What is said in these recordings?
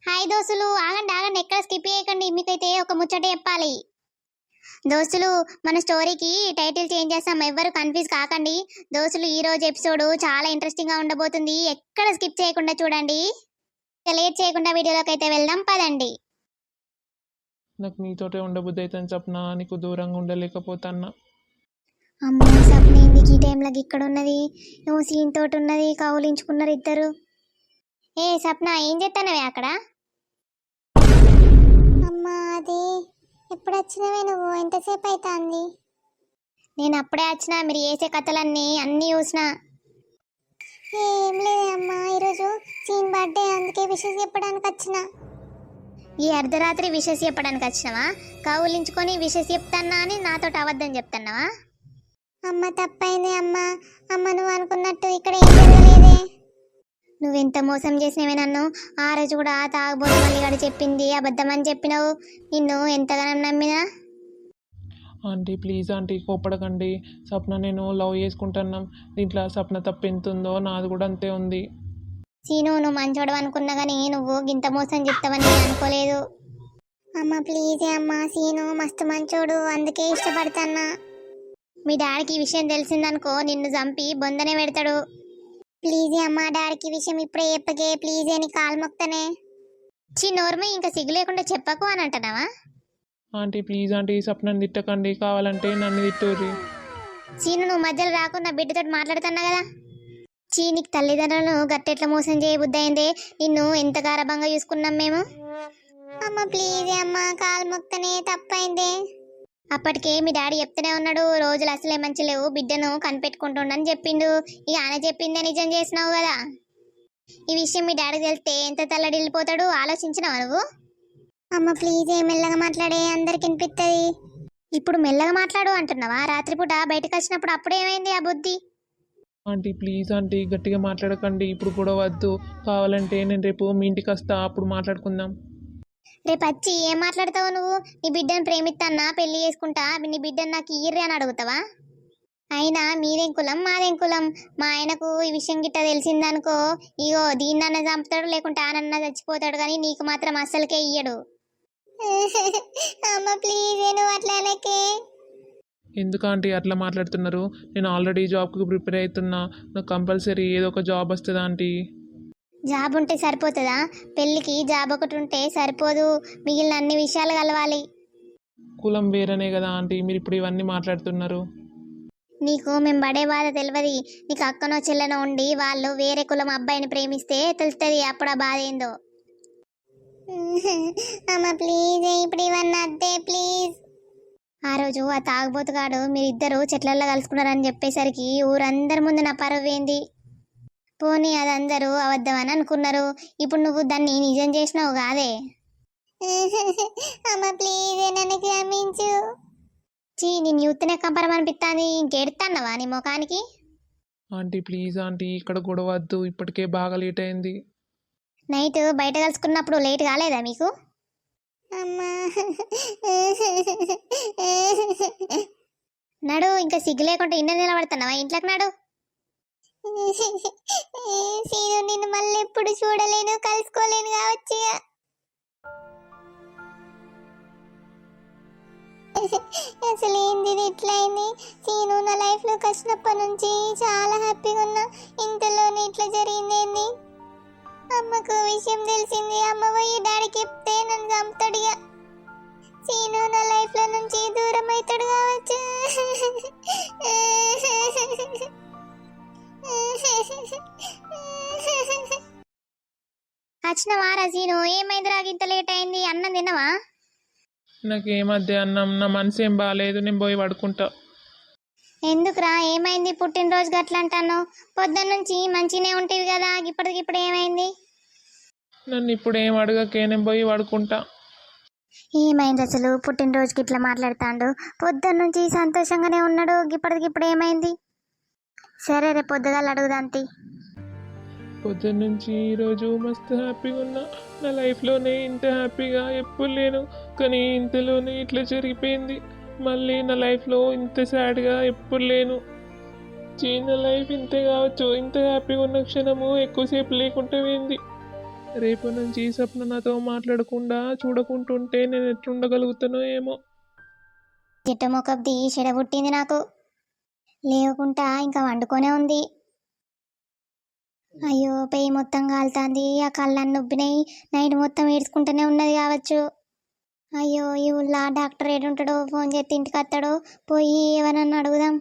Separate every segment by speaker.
Speaker 1: Hi దోస్తులు, ఆగండి ఆగండి, ఎక్కడ స్కిప్ చేయకండి. మీకైతే ఒక ముచ్చట చెప్పాలి దోస్తులు. మన స్టోరీకి టైటిల్ చేంజ్ చేస్తాం, ఎవ్వరు కన్ఫ్యూజ్ కాకండి దోస్తులు. ఈ రోజు ఎపిసోడ్ చాలా ఇంట్రెస్టింగ్ గా ఉండబోతుంది, ఎక్కడ స్కిప్ చేయకుండా చూడండి. లేట్ చేయకుండా వీడియోలోకి అయితే వెళ్దాం, పదండి.
Speaker 2: నాకు నీతోటే ఉండబుద్ధి అవుతుంది సప్న, నీకు దూరంగా ఉండలేకపోతాన్నా.
Speaker 1: అమ్మో సప్న, ఏంది ఈ టైంలోకి ఇక్కడ ఉన్నది? నువ్వు సీన్ తోటి ఉన్నది, కౌలించుకున్నారు ఇద్దరు. ఏ సప్న, ఏం చేస్తానవే అక్కడ? అమ్మా అది ఎప్పుడు వచ్చినవే నువ్వు? ఎంతసేపు అవుతుంది? నేను అప్పుడే వచ్చిన, మీరు చేసే కథలన్నీ అన్నీ చూసిన. ఏం లేదే అమ్మా, ఈరోజు సీన్ బర్త్డే, అందుకే విషెస్ చెప్పడానికి వచ్చిన. ఈ అర్ధరాత్రి విషెస్ చెప్పడానికి వచ్చినవా? కౌలించుకొని విషెస్ చెప్తానా అని నాతో అబద్ధం చెప్తున్నావా? అమ్మ తప్పైంది అమ్మ. అమ్మ నువ్వు అనుకున్నట్టు ఇక్కడ ఏం జరగలేదే. నువ్వెంత మోసం చేసినవే నన్ను. ఆ రోజు కూడా తాగబోతు మల్లిగాడు చెప్పింది అబద్ధం అని చెప్పినావు. నిన్ను ఎంతగానో నమ్మినా.
Speaker 2: ఆంటీ ప్లీజ్ ఆంటీ, కోపడకండి. సప్న నేను లవ్ చేసుకుంటున్నాం. దీంట్లో సప్న తప్పు ఎంత ఉందో నాది కూడా అంతే ఉంది.
Speaker 1: సీను, నువ్వు మంచోడు అనుకున్నా కానీ నువ్వు గింత మోసం చెప్తావని అనుకోలేదు. అమ్మ ప్లీజ్ అమ్మ, సీను మస్తు మంచోడు, అందుకే ఇష్టపడతాన్నా. మీ డాడీకి ఈ విషయం తెలిసిందనుకో నిన్ను చంపి బొందనే పెడతాడు. ప్లీజ్ అమ్మ, డాడీకి విషయం ఇప్పుడే చెప్పకే ప్లీజ్ అని కాలు మొక్తనే. నోర్మి, ఇంకా సిగ్గు లేకుండా చెప్పకు అని అంటున్నావా?
Speaker 2: ఆంటీ ప్లీజ్ ఆంటీ, సప్నని తిట్టకండి, కావాలంటే నన్ను తిట్టూరి.
Speaker 1: చీను, నువ్వు మధ్యలో రాకుండా బిడ్డతో మాట్లాడుతున్నా కదా. నీకు తల్లిదండ్రులను గట్టెట్లా మోసం చేయబుద్ధి అయిందే. నిన్ను ఎంత గారభంగా చూసుకున్నాం మేము. అమ్మ ప్లీజ్ అమ్మ, కాలు మొక్తనే, తప్పైందే. అప్పటికే మీ డాడీ చెప్తూనే ఉన్నాడు, రోజులు అసలే మంచి లేవు, బిడ్డను కనిపెట్టుకుంటుండని చెప్పిండు. ఇక ఆయన చెప్పిందే నిజం చేసినావు కదా. ఈ విషయం మీ డాడీకి తెలిస్తే ఎంత తల్లడిల్లిపోతాడు, ఆలోచించినావా నువ్వు? అమ్మ ప్లీజ్ మెల్లగా మాట్లాడే, అందరికి వినిపిస్తుంది. ఇప్పుడు మెల్లగా మాట్లాడు అంటున్నావా? రాత్రిపూట బయటకు వచ్చినప్పుడు అప్పుడు ఏమైంది ఆ బుద్ధి?
Speaker 2: ఆంటీ ప్లీజ్ ఆంటీ, గట్టిగా మాట్లాడకండి, ఇప్పుడు కూడా వద్దు. కావాలంటే నేను రేపు మీ ఇంటికి వస్తా, అప్పుడు మాట్లాడుకుందాం.
Speaker 1: రేపు వచ్చి ఏం మాట్లాడతావు నువ్వు? నీ బిడ్డను ప్రేమిస్తానా, పెళ్లి చేసుకుంటా, నీ బిడ్డను నాకు ఇయ్యర్రి అని అడుగుతావా? అయినా మీదేం కులం మాదేం కులం? మా ఆయనకు ఈ విషయం గిట్ట తెలిసిందనుకో, ఇగో దీన్నన్నా చంపుతాడు, లేకుంటే ఆనన్నా చచ్చిపోతాడు, కానీ నీకు మాత్రం అస్సలకే ఇయ్యడు. అమ్మ ప్లీజ్, నువ్వు అట్లా అనకే.
Speaker 2: ఎందుకు ఆంటీ అట్లా మాట్లాడుతున్నారు? నేను ఆల్రెడీ జాబ్కి ప్రిపేర్ అవుతున్నా, నాకు కంపల్సరీ ఏదో ఒక జాబ్ వస్తుంది ఆంటీ.
Speaker 1: జాబ్ ఉంటే సరిపోతుందా? పెళ్ళికి జాబ్ ఒకటి ఉంటే సరిపోదు, మిగిలిన అన్ని విషయాలు కలవాలి.
Speaker 2: కులం వేరేనే కదా ఆంటీ, మీరు ఇప్పుడు ఇవన్నీ మాట్లాడుతున్నారు.
Speaker 1: నీకు మేము పడే బాధ తెలియదు. నీకు అక్కనో చెల్లెనో ఉండి వాళ్ళు వేరే కులం అబ్బాయిని ప్రేమిస్తే తెలుస్తుంది అప్పుడు ఆ బాధ ఏందో. అమ్మ ప్లీజ్, ఇప్పుడు ఇవన్నీ అద్దే ప్లీజ్. ఆ రోజు ఆ తాగుబోతుగాడు మీరిద్దరు చెట్లల్లో కలుసుకున్నారని చెప్పేసరికి ఊరందరి ముందు నా పరువు ఏంది. పోనీ అదందరూ అబద్ధం అని అనుకున్నారు, ఇప్పుడు నువ్వు దాన్ని నిజం చేసినావు కాదే. అమ్మ ప్లీజ్ నన్ను క్షమించు. నేను యూత్నే కంపరం అనిపిస్తాను, ఇంకెడతాన్నవా నీ ముఖానికి?
Speaker 2: ఆంటీ ప్లీజ్ ఆంటీ, ఇక్కడ గొడవ వద్దు, ఇప్పటికే బాగా లేట్ అయింది.
Speaker 1: నైట్ బయట కలుసుకున్నప్పుడు లేట్ కాలేదా మీకు? అమ్మా నడు, ఇంకా సిగ్గు లేకుండా ఇన్న నిలబడుతున్నావా? ఇంట్లోకి నడు. సీను, నిన్ను మళ్ళీ ఎప్పుడు చూడలేను, కలుసుకోలేను కావచ్చు. అసలు ఏంది ఇట్లయింది? సీను నా లైఫ్ లోకి వచ్చినప్పటి నుంచి చాలా హ్యాపీగా ఉన్నా, ఇంతలోనే ఇట్లా జరిగిందేంది? అమ్మకు విషయం తెలిసింది, అమ్మ పోయి డాడీకి చెప్తే నన్ను చంపుతాడుగా. సీను నా లైఫ్ లో నుంచి దూరం అవుతాడు కావచ్చు. వచ్చినవా రా సీను? ఏమైంది రా ఇంత లేట్ అయింది? అన్నం తినవా?
Speaker 2: నాకేమద్దే అన్నం, నా మనసు ఏం బాగాలేదు, నేను పోయి పడుకుంటా.
Speaker 1: ఎందుకురా, ఏమైంది? పుట్టినరోజు గట్ల అంటాను, పొద్దున్న నుంచి మంచిగానే ఉంటుంది కదా, ఇప్పటికిప్పుడు ఏమైంది?
Speaker 2: నన్ను ఇప్పుడు ఏం అడగకే, నేను పోయి పడుకుంటా.
Speaker 1: ఏమైంది అసలు? పుట్టినరోజుకి ఇట్లా మాట్లాడుతాడు, పొద్దున్న నుంచి సంతోషంగానే ఉన్నాడు, ఇప్పటికిప్పుడు ఏమైంది? సరే రేపు పొద్దుగాల అడుగుదాంతి.
Speaker 2: పొద్దున్న నుంచి ఈరోజు మస్తు హ్యాపీగా ఉన్నా, నా లైఫ్లోనే ఇంత హ్యాపీగా ఎప్పుడు లేను, కానీ ఇంతలోనే ఇట్లా జరిగిపోయింది. మళ్ళీ నా లైఫ్లో ఇంత సాడ్గా ఎప్పుడు లేను. నా లైఫ్ ఇంతే కావచ్చు, ఇంత హ్యాపీగా ఉన్న క్షణము ఎక్కువసేపు లేకుండా పోయింది. రేపటి నుంచి ఈ సప్న నాతో మాట్లాడకుండా చూడకుంటుంటే నేను ఎట్లుండగలుగుతానో ఏమో.
Speaker 1: చిట్ట మొక్కబ్ది చెడబుట్టింది నాకు. లేవకుండా ఇంకా వండుకొనే ఉంది. అయ్యో పెయి మొత్తం కాలుతాంది, ఆ కళ్ళన్నీ నొబ్బినాయి. నైట్ మొత్తం ఏడ్చుకుంటూనే ఉన్నది కావచ్చు. అయ్యో ఈ ఊళ్ళో డాక్టర్ ఏడుంటాడో, ఫోన్ చేస్తే ఇంటికి వస్తాడో, పోయి ఎవరన్నా అడుగుదాం.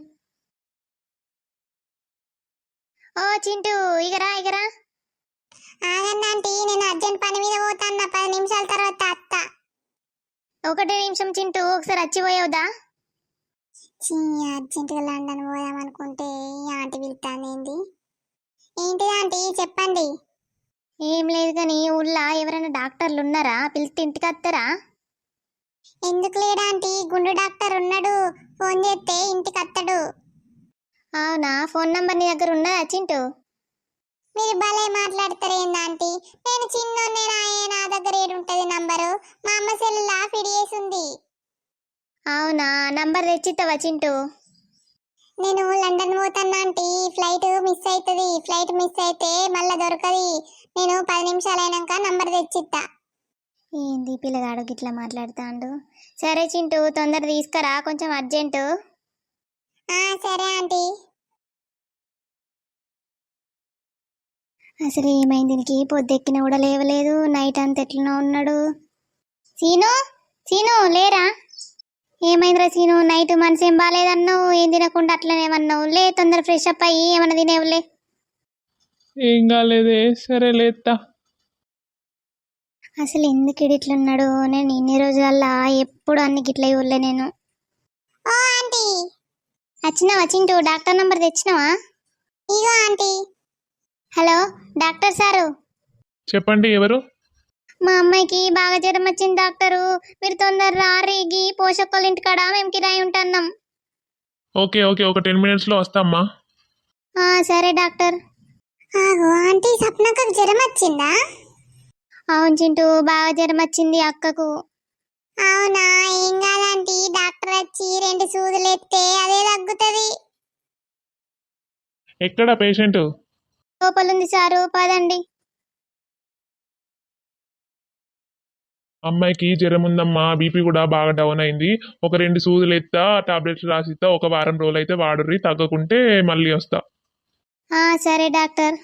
Speaker 1: ఓ చింటూ, ఇగరా ఇగరా. ఆగండి ఆంటీ, నేను అర్జెంట్ పని మీద పోతాను. 10 నిమిషాల తర్వాత అత్త. 1 నిమిషం చింటూ, ఒకసారి వచ్చిపోయావుదా? అర్జెంటుగా లండన్ పోదాం అనుకుంటే ఈ ఆంటీ పిలుతానేంది? ఏంటి ఆంటీ చెప్పండి. ఏం లేదు కానీ ఊళ్ళో ఎవరైనా డాక్టర్లు ఉన్నారా? పిలిస్తే ఇంటికి వస్తారా? ఎందుకు లేడా ఆంటీ, గుండు డాక్టర్ ఉన్నాడు. ఫోన్ చేస్తే ఇంటికి వస్తాడు. అవునా, ఫోన్ నంబర్ నీ దగ్గర ఉన్నదా చింటూ? మీరు భలే మాట్లాడతారేంది ఆంటీ. నేను చిన్నోన్నేనాయే, నా దగ్గర ఏడుంటది నంబరు. మా అమ్మ సెల్లులా ఫిడి చేసి ఉంది. అవునా, నంబర్ తెచ్చిస్తావా చింటూ? నేను లండన్ పోతాను ఆంటీ, ఫ్లైట్ మిస్ అవుతుంది. ఫ్లైట్ మిస్ అయితే మళ్ళీ దొరకది. నేను 10 నిమిషాలు అయినాక నంబర్ తెచ్చిస్తా. ఏంది పిల్లగాడు గిట్లా మాట్లాడుతాండు? సరే చింటూ, తొందర తీసుకురా, కొంచెం అర్జెంటు. సరే ఆంటీ. అసలు ఏమైంది దీనికి? పొద్దెక్కిన కూడా లేవలేదు, నైట్ అంత ఎట్లనో ఉన్నాడు. సీను, సీను లేరా? ఏమైందిరా సీను? నైట్ మనసు ఏం బాగాలేదన్నావు, ఏం తినకుండా అట్లనేమన్నావు. లే తొందర ఫ్రెష్ అప్ అయ్యి ఏమన్నా తినేవులే.
Speaker 2: ఏం కాలేదే, సరే లేత్తా.
Speaker 1: అసలు ఎందుకు ఇట్లున్నాడు? నేను ఇన్ని రోజులల్లా ఎప్పుడు అన్ని గిట్ల ఇవ్వలే నేను. ఓ ఆంటీ, వచ్చినావా చింటూ? డాక్టర్ నంబర్ తెచ్చినావా? ఇగో ఆంటీ. Hello doctor sir.
Speaker 2: చెప్పండి, ఎవరు?
Speaker 1: మా అమ్మాయికి బాగా జ్వరం వచ్చింది డాక్టరు. మీరు తొందర రారిగి పోషకోళ్ళ ఇంటికాడ మేము కిరాయి ఉంటున్నాం.
Speaker 2: ఓకే ఓకే, ఒక 10 మినిట్స్లో వస్తామ్మా.
Speaker 1: సరే డాక్టర్. ఆంటీ సప్నకు జ్వరం వచ్చిందా? అవును చింటూ, బాగా జ్వరం వచ్చింది అక్కకు. అవునా, ఏం కాదంటీ, డాక్టర్ వచ్చి 2 సూదులు ఎత్తే అదే తగ్గుతుంది.
Speaker 2: ఎక్కడ పేషెంట్?
Speaker 1: లోపలుంది సారు, పదండి.
Speaker 2: అమ్మాయికి జ్వరం ఉందమ్మా, బీపీ కూడా బాగా డౌన్ అయింది. ఒక 2 సూదులు ఎత్తా, టాబ్లెట్స్ రాసిస్తా. ఒక వారం రోజులు అయితే వాడుర్రి, తగ్గకుంటే మళ్ళీ వస్తా.
Speaker 1: సరే డాక్టర్.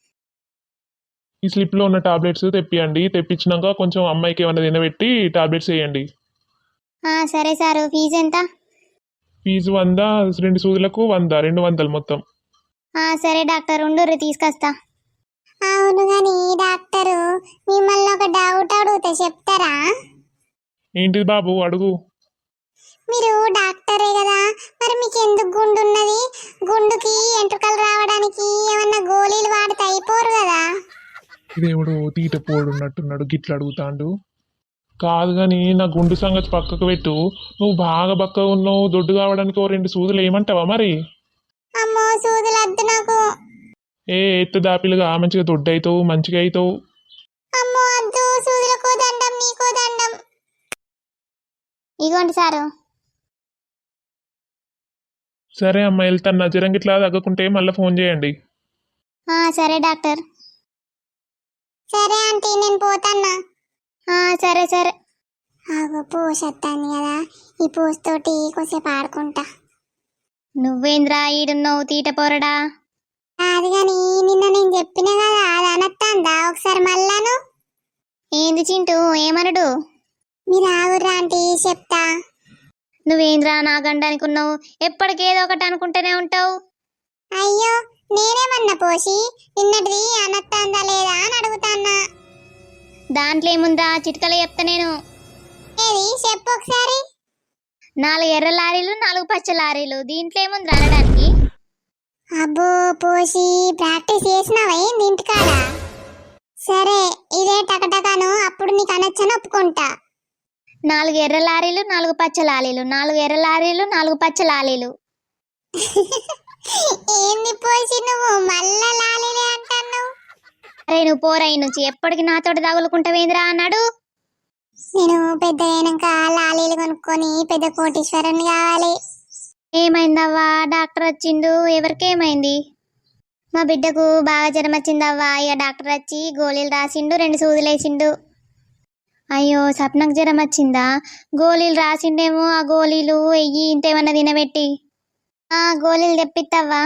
Speaker 2: ఈ స్లిప్లో ఉన్న టాబ్లెట్స్ తెప్పియండి. తెప్పించినాక కొంచెం అమ్మాయికి ఏమైనా తినబెట్టి టాబ్లెట్స్ వేయండి.
Speaker 1: సరే సారు. ఫీజు ఎంత?
Speaker 2: ఫీజు 100, 2 సూదులకు 100, 200 మొత్తం.
Speaker 1: సరే డాక్టర్, ఉండు తీసుకొస్తా. అవును గాని డాక్టరు, మిమ్మల్ని ఒక డౌట్ అడుగుతా, చెప్తారా?
Speaker 2: ఏంటిది బాబు, అడుగు.
Speaker 1: మీరు డాక్టరే కదా, మరి మీకు ఎందుకు గుండు ఉన్నది? గుండుకి ఎంట్రుకలు రావడానికి ఏమన్నా గోళీలు వాడితే అయిపోరు కదా?
Speaker 2: ఇదేవుడు తీట పోడున్నట్టున్నాడు, గిట్ల అడుగుతాండు. కాదు కానీ నా గుండు సంగతి పక్కకు పెట్టు. నువ్వు బాగా బక్కగా ఉన్నావు, దొడ్డు కావడానికి ఓ 2 సూదులు ఏమంటావా మరి?
Speaker 1: అమ్మో సూదులు వద్దు నాకు.
Speaker 2: ఎత్తు దాపిలుగా మంచిగా దొడ్డు అవుతావు, మంచిగా అవుతావు.
Speaker 1: అమ్మో వద్దు, సూదులకో దండం, నీకో దండం. ఇగోండి సారు.
Speaker 2: సరే అమ్మ, వెళ్తాను. నా జ్వరం గిట్లా తగ్గకుంటే మళ్ళీ ఫోన్ చేయండి.
Speaker 1: సరే డాక్టర్. సరే ఆంటీ, నేను పోతాన్నా. సరే సరే. పోసొత్తాను కదా, ఈ పోస్తోటి కొద్దిసేపు ఆడుకుంటా. నువ్వేంద్రా ఈడున్నావు తీట పోరడా? అది కానీ నిన్న నేను చెప్పిన కదా, అది అనొత్తాందా ఒకసారి మళ్ళాను? ఏంది చింటూ, ఏమనడు? మీరు ఆగుర్రా ఆంటీ, చెప్తా. నువ్వేంద్రా నా గండానికి ఉన్నావు, ఎప్పటికేదో ఒకటి అనుకుంటూనే ఉంటావు. అయ్యో నేనేమన్నా పోసి, నిన్నటిది అనొత్తాందా లేదా అని అడుగుతాన్నా. దాంట్లో ఏముందా, చిట్కలే చెప్తా నేను. ఏది చెప్పు ఒకసారి. 4 ఎర్ర లారీలు, 4 పచ్చ లారీలు, దీంట్లో ఏముంది అనడానికి? అబ్బో పోసి ప్రాక్టీస్ చేసినావా ఏంది ఇంటికాడ? సరే ఇదే టకటకాను, అప్పుడు నీకు అనొచ్చని ఒప్పుకుంటా. 4 ఎర్ర లారీలు, 4 పచ్చ లారీలు, 4 ఎర్ర లారీలు, 4 పచ్చ లారీలు. ఏంది పోసి నువ్వు మళ్ళా లాలీలే అంటాను? అరే నువ్వు పోరాయి నుంచి ఎప్పటికి నాతోటి తగులుకుంటావేంద్రా అన్నాడు. నేను పెద్ద అయినాక లాలీలు కొనుక్కొని పెద్ద కోటీశ్వరుని కావాలి. ఏమైందవ్వా? డాక్టర్ వచ్చిండు, ఎవరికేమైంది? మా బిడ్డకు బాగా జ్వరం వచ్చిందవ్వా. ఇక డాక్టర్ వచ్చి గోళీలు రాసిండు, 2 సూదులు వేసిండు. అయ్యో సప్నకు జ్వరం వచ్చిందా? గోళీలు రాసిండేమో, ఆ గోళీలు వెయ్యి ఇంతేమన్నా తినబెట్టి. గోళీలు తెప్పిత్తవ్వా.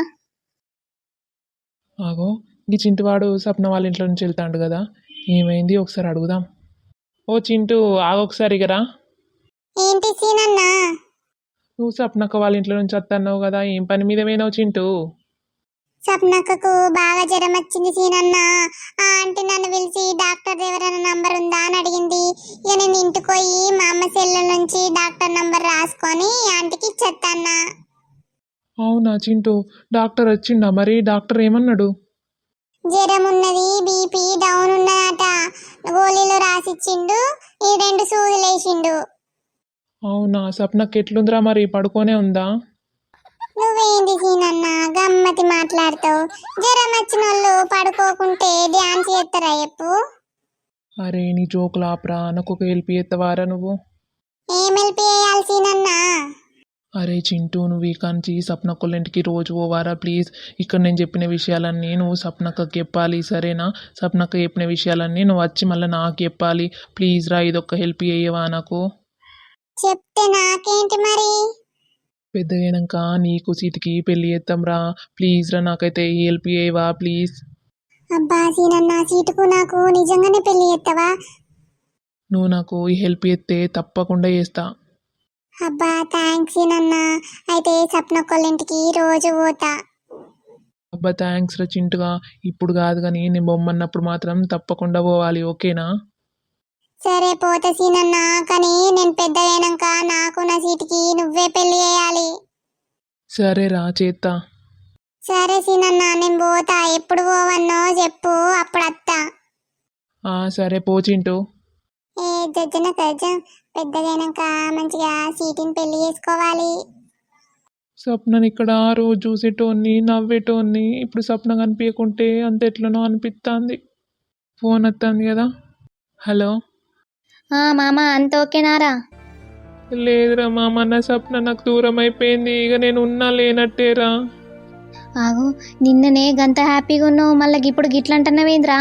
Speaker 2: ఆగో ఈ చింటువాడు సప్న వాళ్ళ ఇంట్లో నుంచి వెళ్తాడు కదా, ఏమైంది ఒకసారి అడుగుదాం. ఓ చింటూ ఆగొకసారి ఇగరా.
Speaker 1: ఏంటి సీనన్నా?
Speaker 2: నువ్వు సప్నక్క వాళ్ళ ఇంట్లో నుంచి వస్తున్నావు కదా, ఏం పని మీద పోయినావు చింటూ?
Speaker 1: సప్నక్కకు బాగా జ్వరం వచ్చింది సీనన్న. ఆ ఆంటీ నన్ను పిలిచి డాక్టర్ ఎవరైనా నంబర్ ఉందా అని అడిగింది. ఇక నేను ఇంటికి పోయి మా అమ్మ సెల్ నుంచి డాక్టర్ నంబర్ రాసుకొని ఆంటీకి ఇచ్చేస్తాన్నా.
Speaker 2: అవునా చింటూ, డాక్టర్ వచ్చిండా మరి? డాక్టర్ ఏమన్నాడు?
Speaker 1: జ్వరం ఉన్నది, బీపీ డౌన్ ఉన్నదట. గోళీలు రాసిచ్చిండు, ఈ 2 సూదులు వేసిండు.
Speaker 2: అవునా, సప్నక్క ఎట్లుందిరా మరి, పడుకోనే ఉందా?
Speaker 1: నువ్వేంది సీనన్న గమ్మతి మాట్లాడతావు? జ్వరం వచ్చిన వాళ్ళు పడుకోకుంటే డ్యాన్స్ చేస్తారా చెప్పు?
Speaker 2: అరే నీ జోకులు ఆపరా, నాకు ఒక హెల్ప్ చేస్తావారా నువ్వు?
Speaker 1: ఏం హెల్ప్ చేయాలి సీనన్నా?
Speaker 2: అరే చింటూ, నువ్వు ఈ కాంచి సప్నక్కల ఇంటికి రోజు పోవారా ప్లీజ్. ఇక్కడ నేను చెప్పిన విషయాలన్నీ నువ్వు సప్నక్కకి చెప్పాలి, సరేనా? సప్నక్క చెప్పిన విషయాలన్నీ నువ్వు వచ్చి మళ్ళీ నాకు చెప్పాలి ప్లీజ్ రా. ఇదొక్క హెల్ప్ చేయవా నాకు?
Speaker 1: చెప్తే నాకేంటి మరి?
Speaker 2: పెద్దగైనాక నీకు సీటుకి పెళ్ళి చేద్దాం రా, ప్లీజ్ రా, నాకైతే ఈ హెల్ప్ చేయవా ప్లీజ్.
Speaker 1: అబ్బా సీనన్న, సీటుకు నాకు నిజంగానే పెళ్లి చేస్తావా?
Speaker 2: నువ్వు నాకు ఈ హెల్ప్ చేస్తే తప్పకుండా చేస్తా.
Speaker 1: అబ్బా థ్యాంక్స్ సీనన్న. అయితే సప్నక్కళ్ళ ఇంటికి రోజు పోతా.
Speaker 2: అబ్బా థ్యాంక్స్ రా చింటుగా, ఇప్పుడు కాదు కానీ నేను బొమ్మన్నప్పుడు మాత్రం తప్పకుండా పోవాలి, ఓకేనా?
Speaker 1: సరే పోతా సీనన్న, కానీ నేను పెద్దగైనాక నాకు నా సీటుకి నువ్వే పెళ్లి చేయాలి.
Speaker 2: సరే రా చేత్తా.
Speaker 1: సరే సీనన్న, నేను పోతా. ఎప్పుడు పోవన్నో చెప్పు, అప్పుడు వస్తా.
Speaker 2: సరే పో చింటూ.
Speaker 1: ఏ జడ్జన కజ్జం, పెద్దగైనాక మంచిగా సీటుని పెళ్లి చేసుకోవాలి.
Speaker 2: సప్నని ఇక్కడ రోజు చూసేటోన్ని, నవ్వేటోన్ని, ఇప్పుడు సప్న కనిపించకుంటే అంత ఎట్లనో అనిపిస్తుంది. ఫోన్ వస్తుంది కదా. హలో
Speaker 1: మామ, అంత ఓకేనారా?
Speaker 2: లేదురా మామ, నా సప్న నాకు దూరం అయిపోయింది, ఇక నేను ఉన్నా లేనట్టేరా.
Speaker 1: ఆగు, నిన్ననే గంత హ్యాపీగా ఉన్నావు, మళ్ళీ ఇప్పుడు గిట్లంటున్నావేంద్రా?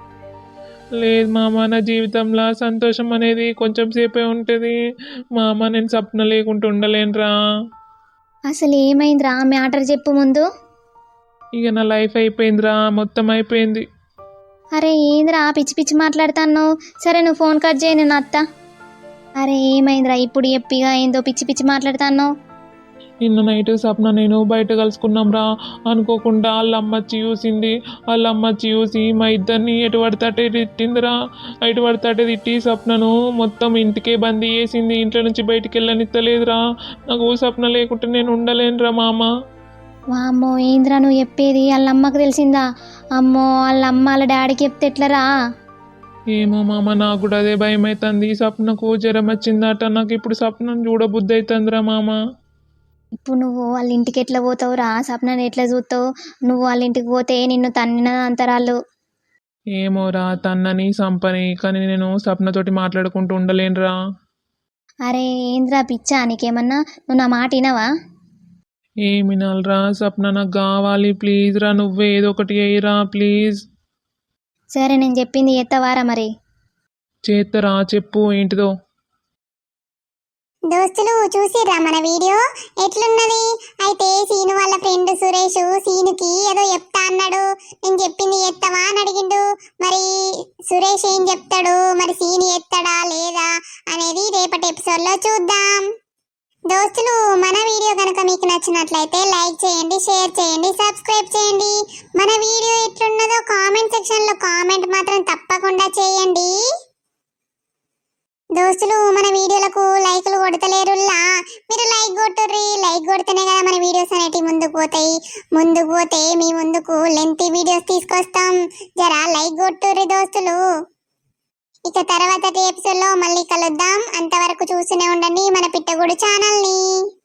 Speaker 2: లేదు మామ, నా జీవితంలో సంతోషం అనేది కొంచెం సేపే ఉంటుంది మామ, నేను సప్న లేకుండా ఉండలేనురా.
Speaker 1: అసలు ఏమైందిరా? మ్యాటర్ చెప్పు ముందు.
Speaker 2: ఇక నా లైఫ్ అయిపోయిందిరా, మొత్తం అయిపోయింది.
Speaker 1: అరే ఏందిరా పిచ్చి పిచ్చి మాట్లాడుతాను? సరే నువ్వు ఫోన్ కట్ చేయి, నేను అత్త. అరే ఏమైందిరా ఇప్పుడు ఎప్పిగా, ఏందో పిచ్చి పిచ్చి మాట్లాడుతాను?
Speaker 2: నిన్న నైట్ సప్న నేను బయట కలుసుకున్నాం రా, అనుకోకుండా వాళ్ళ అమ్మచ్చి చూసింది. వాళ్ళ అమ్మచ్చి చూసి మా ఇద్దరిని ఎటు పడితే తిట్టిందిరా. ఎటు పడితే తిట్టి సప్నను మొత్తం ఇంటికే బందీ చేసింది, ఇంట్లో నుంచి బయటికి వెళ్ళనిత్తలేదురా. నాకు సప్న లేకుంటే నేను ఉండలేనురా మామ.
Speaker 1: వామ్మో, ఏంద్రా నువ్వు చెప్పేది? వాళ్ళ అమ్మకు తెలిసిందా? అమ్మో, వాళ్ళ అమ్మ వాళ్ళ డాడీకి చెప్తే ఎట్లరా?
Speaker 2: ఏమో మామ, నాకు కూడా అదే భయం అవుతుంది. సప్నకు జ్వరం వచ్చిందట, నాకు ఇప్పుడు సప్నను చూడబుద్ధి అవుతుందిరా మామ.
Speaker 1: ఇప్పుడు నువ్వు వాళ్ళ ఇంటికి ఎట్లా పోతావురా? సప్నని ఎట్లా చూస్తావు? నువ్వు వాళ్ళ ఇంటికి పోతే నిన్ను తన్నిన అంతరాళ్ళు.
Speaker 2: ఏమోరా, తన్నని సంపని, కానీ నేను సప్నతోటి మాట్లాడుకుంటూ ఉండలేనురా.
Speaker 1: అరే ఏంద్రా పిచ్చా నీకేమన్నా? నువ్వు నా మాట వినవా?
Speaker 2: ఏమి వినాలిరా సప్న, నాకు కావాలి ప్లీజ్ రా, నువ్వే ఏదో ఒకటి అయ్యిరా ప్లీజ్.
Speaker 1: సరే నేను చెప్పింది ఎత్తవారా మరి?
Speaker 2: చేత్తరా, చెప్పు ఏంటిదో.
Speaker 1: దోస్తులు చూసిర్రా మన వీడియో ఎట్లున్నది? అయితే సీను వాళ్ళ ఫ్రెండ్ సురేష్ సీనుకి ఏదో చెప్తా అన్నాడు. నేను చెప్పింది ఎత్తవా అని అడిగిండు. మరి సురేష్ ఏం చెప్తాడు, మరి సీను ఎత్తాడా లేదా అనేది రేపటి ఎపిసోడ్లో చూద్దాం. దోస్తులు మన వీడియో కనుక మీకు నచ్చినట్లయితే లైక్ చేయండి, షేర్ చేయండి, సబ్స్క్రైబ్ చేయండి. మన వీడియో ఎట్లున్నదో కామెంట్ సెక్షన్లో కామెంట్ మాత్రం తప్పకుండా చేయండి. దోస్తులు మన వీడియోలకు లైకులు కొడతలేరుల్లా, మీరు లైక్ కొట్టుర్రి. లైక్ కొడితేనే కదా మన వీడియోస్ అనేటివి ముందుకు పోతాయి. ముందుకు పోతే మీ ముందుకు లెంతీ వీడియోస్ తీసుకొస్తాం. జరా లైక్ కొట్టుర్రి దోస్తులు. ఇక తర్వాత ఎపిసోడ్లో మళ్ళీ కలుద్దాం. అంతవరకు చూస్తూనే ఉండండి మన పిట్టగూడు ఛానల్ని.